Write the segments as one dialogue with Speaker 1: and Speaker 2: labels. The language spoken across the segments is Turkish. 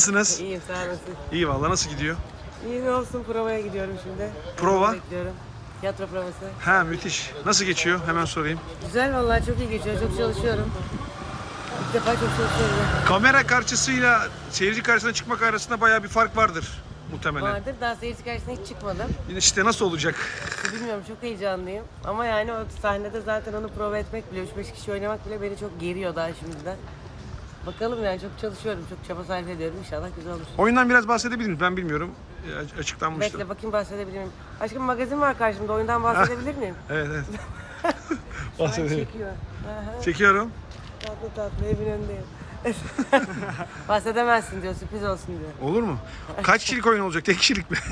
Speaker 1: Nasılsınız?
Speaker 2: İyiyim, sağ olasın.
Speaker 1: İyi vallahi, nasıl gidiyor?
Speaker 2: İyi, ne olsun, provaya gidiyorum şimdi.
Speaker 1: Prova?
Speaker 2: Bekliyorum. Tiyatro provası.
Speaker 1: Ha, müthiş. Nasıl geçiyor? Hemen sorayım.
Speaker 2: Güzel vallahi, çok iyi geçiyor, çok çalışıyorum. İlk defa çok çalışıyorum.
Speaker 1: Kamera karşısıyla seyirci karşısına çıkmak arasında bayağı bir fark vardır muhtemelen.
Speaker 2: Vardır, daha seyirci karşısına hiç çıkmadım.
Speaker 1: İşte nasıl olacak?
Speaker 2: Bilmiyorum, çok heyecanlıyım. Ama yani o sahnede zaten onu prova etmek bile, 3-5 kişi oynamak bile beni çok geriyor daha şimdiden. Bakalım yani, çok çalışıyorum, çok çaba sarf ediyorum. İnşallah güzel olur.
Speaker 1: Oyundan biraz bahsedebilir miyiz? Ben bilmiyorum. Açıklanmıştı.
Speaker 2: Bekle bakayım, bahsedebilir miyim? Aşkım, magazin var karşımda, oyundan bahsedebilir miyim?
Speaker 1: Evet, evet.
Speaker 2: Ay,
Speaker 1: Bahsedelim.
Speaker 2: çekiyor. Aha.
Speaker 1: Çekiyorum.
Speaker 2: Tatlı tatlı evin önündeyim. Bahsedemezsin diyor, sürpriz olsun diyor.
Speaker 1: Olur mu? Kaç kişilik oyun olacak? Tek kişilik mi?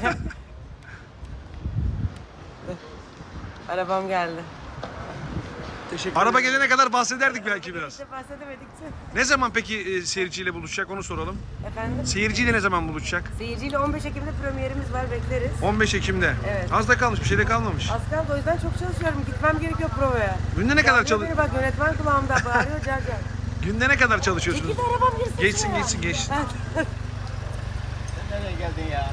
Speaker 2: Arabam geldi.
Speaker 1: Araba gelene kadar bahsederdik belki biraz.
Speaker 2: İşte bahsedemedikçe.
Speaker 1: Ne zaman peki seyirciyle buluşacak, onu soralım.
Speaker 2: Efendim?
Speaker 1: Seyirciyle ne zaman buluşacak?
Speaker 2: Seyirciyle 15 Ekim'de premierimiz var, bekleriz.
Speaker 1: 15 Ekim'de.
Speaker 2: Evet.
Speaker 1: Az da kalmış, bir şey de kalmamış.
Speaker 2: Az kaldı, o yüzden çok çalışıyorum. Gitmem gerekiyor provaya.
Speaker 1: Günde ne kadar
Speaker 2: Bağırıyor
Speaker 1: çalış?
Speaker 2: beni, bak yönetmen kulağımda bağırıyor, car car.
Speaker 1: Günde ne kadar çalışıyorsunuz?
Speaker 2: Çekil de arabam girsin
Speaker 1: Geçsin,
Speaker 2: şuraya.
Speaker 1: geçsin, geçsin.
Speaker 3: Sen nereye geldin ya?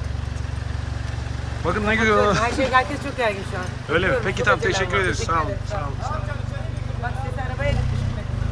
Speaker 1: Bakın ne görüyorlar.
Speaker 2: Herkes çok gergin şu an.
Speaker 1: Öyle mi?
Speaker 2: Bakıyorum,
Speaker 1: Peki
Speaker 2: çok
Speaker 1: tamam,
Speaker 2: acelem
Speaker 1: teşekkür
Speaker 2: var.
Speaker 1: ederiz. Sağ olun.
Speaker 2: ederim,
Speaker 1: Sağ olun.
Speaker 2: Bak sesi arabaya gitmiş.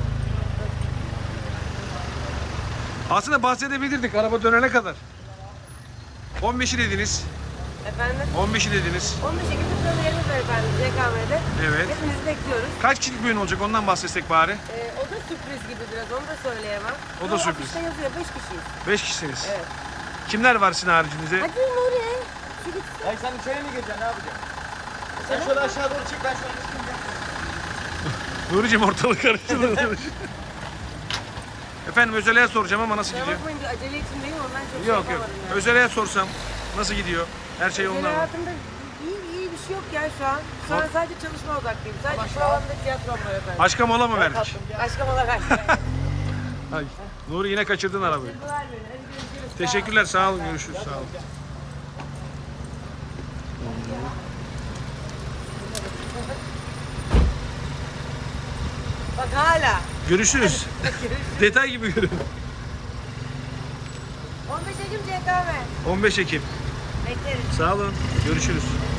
Speaker 1: Aslında bahsedebilirdik araba dönene kadar. 15'i dediniz.
Speaker 2: Efendim?
Speaker 1: 15'i dediniz.
Speaker 2: 15 Ekim'de premierimiz var efendim, CKM'de.
Speaker 1: Evet.
Speaker 2: Hepinizi bekliyoruz.
Speaker 1: Kaç kişilik bir oyun olacak, ondan bahsetsek bari.
Speaker 2: O da sürpriz gibi biraz, onu da söyleyemem.
Speaker 1: O da
Speaker 2: Ama
Speaker 1: sürpriz.
Speaker 2: afişte yazıyor, 5 kişiyiz.
Speaker 1: 5 kişisiniz.
Speaker 2: Evet.
Speaker 1: Kimler var sizin haricinizde?
Speaker 2: Hadi Nuri, şu gitsin.
Speaker 3: Ay sen içeri mi gireceksin? Ne yapacaksın? Sen şöyle aşağı doğru çık, ben şöyle çıkayım ya.
Speaker 1: Nuri'cim, ortalık karıştırdı. Efendim, Özele'ye soracağım ama nasıl
Speaker 2: Kusura
Speaker 1: gidiyor?
Speaker 2: bakmayın, acele içindeyim, ondan çok
Speaker 1: Yok
Speaker 2: şey
Speaker 1: yok.
Speaker 2: yapamadım yani.
Speaker 1: Özele'ye sorsam nasıl gidiyor? Her şey
Speaker 2: Özel
Speaker 1: yolunda mı?
Speaker 2: hayatımda iyi bir şey yok ya şu an. Şu an sadece çalışma odaklıyım. Sadece provamda tiyatrom var efendim.
Speaker 1: Aşka mola mı verdik?
Speaker 2: Aşkım olarak.
Speaker 1: Ay, Nuri, yine kaçırdın arabayı.
Speaker 2: Duygular verin, hadi görüşürüz.
Speaker 1: Teşekkürler, sağ olun, görüşürüz, sağ olun.
Speaker 2: Bak hala.
Speaker 1: Görüşürüz. Detay gibi görün.
Speaker 2: 15 Ekim CKM.
Speaker 1: 15 Ekim.
Speaker 2: Bekleriz.
Speaker 1: Sağ olun, görüşürüz.